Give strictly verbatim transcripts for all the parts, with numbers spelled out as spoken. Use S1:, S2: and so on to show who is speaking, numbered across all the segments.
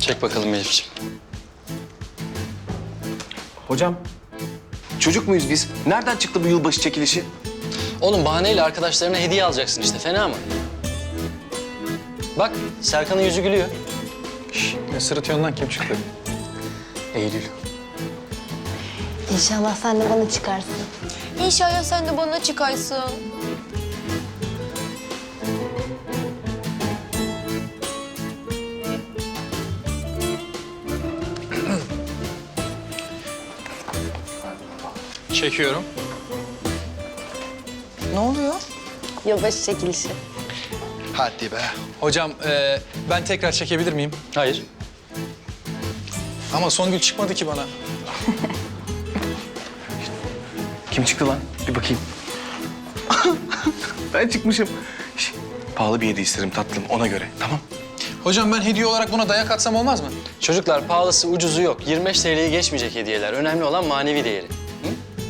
S1: Çek bakalım Elif'ciğim.
S2: Hocam, çocuk muyuz biz? Nereden çıktı bu yılbaşı çekilişi?
S1: Oğlum bahaneyle arkadaşlarına hediye alacaksın işte. Fena mı? Bak Serkan'ın yüzü gülüyor.
S3: Şş, ne sırıtıyorsun lan, kim çıktı?
S2: Eylül.
S4: İnşallah sen de bana çıkarsın.
S5: İnşallah sen de bana çıkarsın.
S3: Çekiyorum.
S5: Ne oluyor?
S4: Yılbaşı çekilişi.
S6: Hadi be.
S3: Hocam e, ben tekrar çekebilir miyim?
S1: Hayır.
S3: Ama Songül çıkmadı ki bana.
S2: Kim çıktı lan? Bir bakayım. Ben çıkmışım. Şş, pahalı bir hediye isterim tatlım, ona göre. Tamam.
S3: Hocam ben hediye olarak buna dayak atsam olmaz mı?
S1: Çocuklar pahalısı ucuzu yok. yirmi beş T L'yi geçmeyecek hediyeler. Önemli olan manevi değeri. Hı?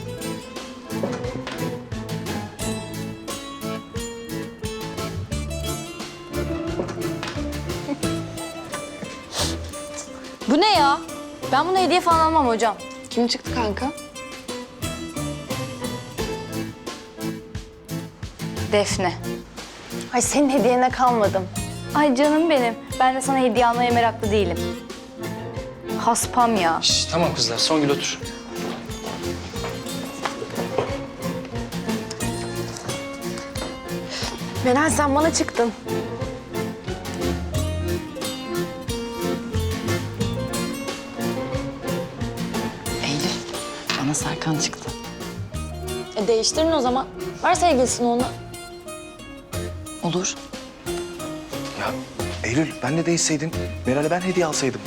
S5: Bu ne ya? Ben bunu hediye falan almam hocam.
S4: Kim çıktı kanka?
S5: Defne.
S4: Ay senin hediyene kalmadım.
S5: Ay canım benim. Ben de sana hediye almaya meraklı değilim. Haspam ya.
S1: Şş, tamam kızlar. Songül otur.
S4: Meral sen bana çıktın.
S7: Eylül, bana Serkan çıktı.
S5: E değiştirin o zaman. Ver sevgilisini ona.
S7: Olur.
S2: Ya Eylül, ben de değişseydin. Meral'e ben hediye alsaydım.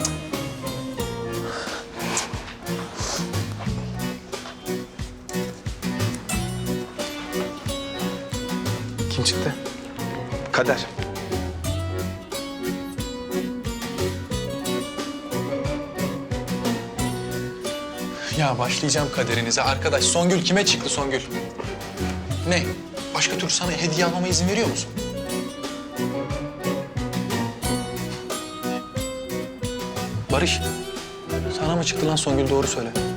S3: Kim çıktı?
S2: Kader.
S3: Ya başlayacağım kaderinize arkadaş. Songül kime çıktı Songül? Ne? Başka türlü sana hediye almama izin veriyor musun? Barış, sana mı çıktı lan Songül, doğru söyle.